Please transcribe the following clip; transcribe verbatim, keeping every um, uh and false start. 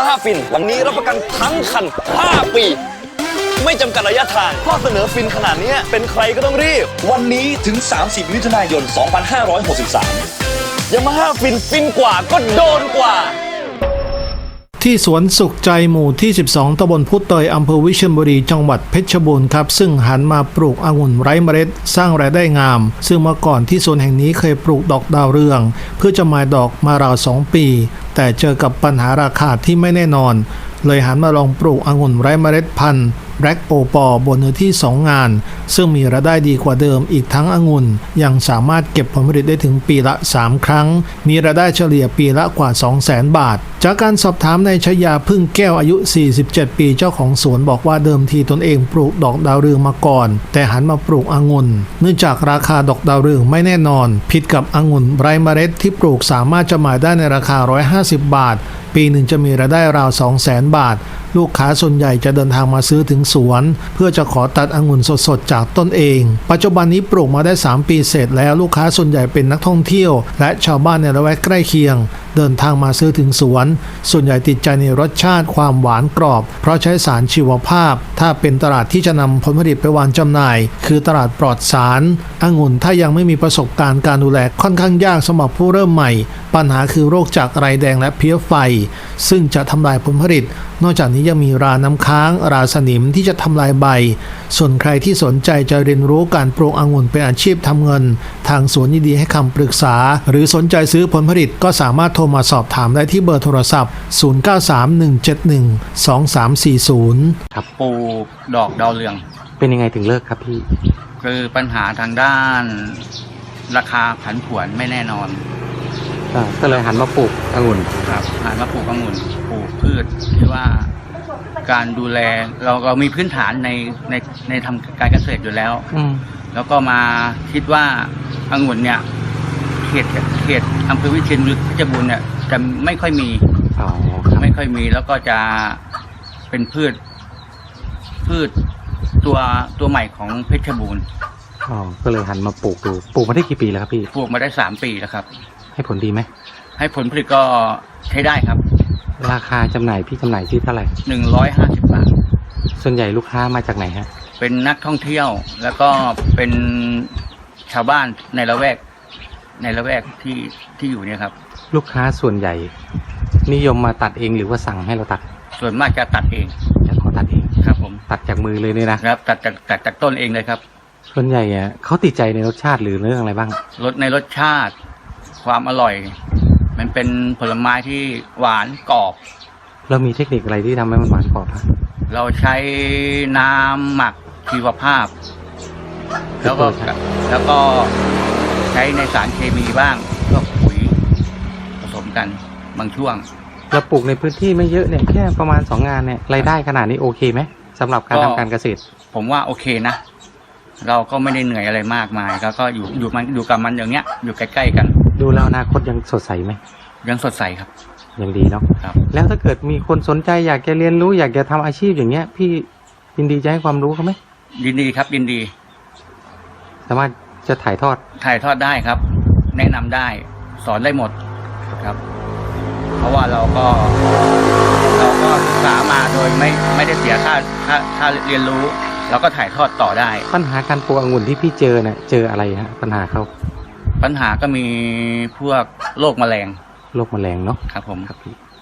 าฮ่าฟินวันนี้รับประกันทั้งคันห้าปีไม่จำกัดระยะทางข้อเสนอฟินขนาดนี้เป็นใครก็ต้องรีบวันนี้ถึงสามสิบมิถุนายนสองพันห้าร้อยหกสิบสามยามาฮ่าฟินฟินกว่าก็โดนกว่าที่สวนสุขใจหมู่ที่สิบสองตำบลพุเตยอำเภอวิเชียรบุรีจังหวัดเพชรบูรณ์ครับซึ่งหันมาปลูกองุ่นไร้เมล็ดสร้างรายได้งามซึ่งเมื่อก่อนที่สวนแห่งนี้เคยปลูกดอกดาวเรืองเพื่อจะหมายดอกมาราวสองปีแต่เจอกับปัญหาราคาที่ไม่แน่นอนเลยหันมาลองปลูกองุ่นไร้เมล็ดพันธุ์แบล็กโอปอบนเนื้อที่สองงานซึ่งมีรายได้ดีกว่าเดิมอีกทั้งองุ่นยังสามารถเก็บผลผลิตได้ถึงปีละสามครั้งมีรายได้เฉลี่ยปีละกว่า สองแสน บาทจากการสอบถามนายชยาพึ่งแก้วอายุสี่สิบเจ็ดปีเจ้าของสวนบอกว่าเดิมทีตนเองปลูกดอกดาวเรืองมาก่อนแต่หันมาปลูกองุ่นเนื่องจากราคาดอกดาวเรืองไม่แน่นอนผิดกับองุ่นไร้เมล็ดที่ปลูกสามารถจำหน่ายได้ในราคาหนึ่งร้อยห้าสิบบาทปีหนึ่งจะมีรายได้ราว สองแสน บาทลูกค้าส่วนใหญ่จะเดินทางมาซื้อถึงสวนเพื่อจะขอตัดองุ่นสดๆจากต้นเองปัจจุบันนี้ปลูกมาได้สามปีเสร็จแล้วลูกค้าส่วนใหญ่เป็นนักท่องเที่ยวและชาวบ้านในละแวกใกล้เคียงเดินทางมาซื้อถึงสวนส่วนใหญ่ติดใจในรสชาติความหวานกรอบเพราะใช้สารชีวภาพถ้าเป็นตลาดที่จะนำผลผลิตไปวางจำหน่ายคือตลาดปลอดสารองุ่นถ้ายังไม่มีประสบการณ์การดูแลค่อนข้างยากสำหรับผู้เริ่มใหม่ปัญหาคือโรคจากไรแดงและเพี้ยไฟซึ่งจะทำลายผลผลิตนอกจากนี้ยังมีราน้ำค้างราสนิมที่จะทำลายใบส่วนใครที่สนใจจะเรียนรู้การปลูกองุ่นเป็นอาชีพทำเงินทางสวนยินดีให้คำปรึกษาหรือสนใจซื้อผลผลิตก็สามารถโทรมาสอบถามได้ที่เบอร์โทรศัพท์ศูนย์ เก้า สาม หนึ่ง เจ็ด หนึ่ง สอง สาม สี่ ศูนย์ครับปลูกดอกดาวเรืองเป็นยังไงถึงเลิกครับพี่คือปัญหาทางด้านราคาผันผวนไม่แน่นอนก็เลยหันมาปลูกองุ่นครับหันมาปลูกองุ่นปลูกพืชที่ว่าการดูแลเราเรามีพื้นฐานในในในทำการเกษตรอยู่แล้วแล้วก็มาคิดว่าองุ่นเนี่ยเขตเขตอำเภอวิเชียรบุรีเพชรบูรณ์เนี่ยจะไม่ค่อยมีไม่ค่อยมีแล้วก็จะเป็นพืชพืชตัวตัวใหม่ของเพชรบูรณ์อ๋อก็เลยหันมาปลูกดูปลูกมาได้กี่ปีแล้วครับพี่ปลูกมาได้สามปีแล้วครับให้ผลดีไหมให้ผลผลิตก็ใช้ได้ครับราคาจำหน่ายพี่จำหน่ายที่เท่าไหร่หนึ่งร้อยห้าสิบบาทส่วนใหญ่ลูกค้ามาจากไหนฮะเป็นนักท่องเที่ยวแล้วก็เป็นชาวบ้านในละแวกในละแวกที่ที่อยู่เนี่ยครับลูกค้าส่วนใหญ่นิยมมาตัดเองหรือว่าสั่งให้เราตัดส่วนมากจะตัดเองจะขอตัดเองครับผมตัดจากมือเลยเนี่ยนะครับตัดจากตัดจากต้นเองเลยครับส่วนใหญ่อ่ะเขาติดใจในรสชาติหรือเรื่องอะไรบ้างรสในรสชาติความอร่อยมันเป็นผลไม้ที่หวานกรอบเรามีเทคนิคอะไรที่ทำให้มันหวานกรอบครับเราใช้น้ำหมักชีวภาพแล้วก็แล้วก็ใช้ในสารเคมีบ้างพวกปุ๋ยผสมกันบางช่วงเราปลูกในพื้นที่ไม่เยอะเนี่ยแค่ประมาณสองงานเนี่ยรายได้ขนาดนี้โอเคไหมสำหรับการทำการเกษตรผมว่าโอเคนะเราก็ไม่ได้เหนื่อยอะไรมากมายแล้วก็อยู่อยู่มันอยู่กับมันอย่างเงี้ยอยู่ใกล้ๆกันดูแล้วอนาคตยังสดใสไหมยังสดใสครับยังดีเนาะครับแล้วถ้าเกิดมีคนสนใจอยากจะเรียนรู้อยากจะทำอาชีพอย่างเงี้ยพี่ยินดีจะให้ความรู้เขาไหมยินดีครับยินดีสามารถจะถ่ายทอดถ่ายทอดได้ครับแนะนำได้สอนได้หมดครับเพราะว่าเราก็เราก็ศึกษามาโดยไม่ไม่ได้เสียค่าค่าค่าเรียนรู้เราก็ถ่ายทอดต่อได้ปัญหาการปลูกองุ่นที่พี่เจอเนี่ยเจออะไรฮะปัญหาเขาปัญหาก็มีพวกโรคแมลงโรคแมลงเนาะครับผมครับพี่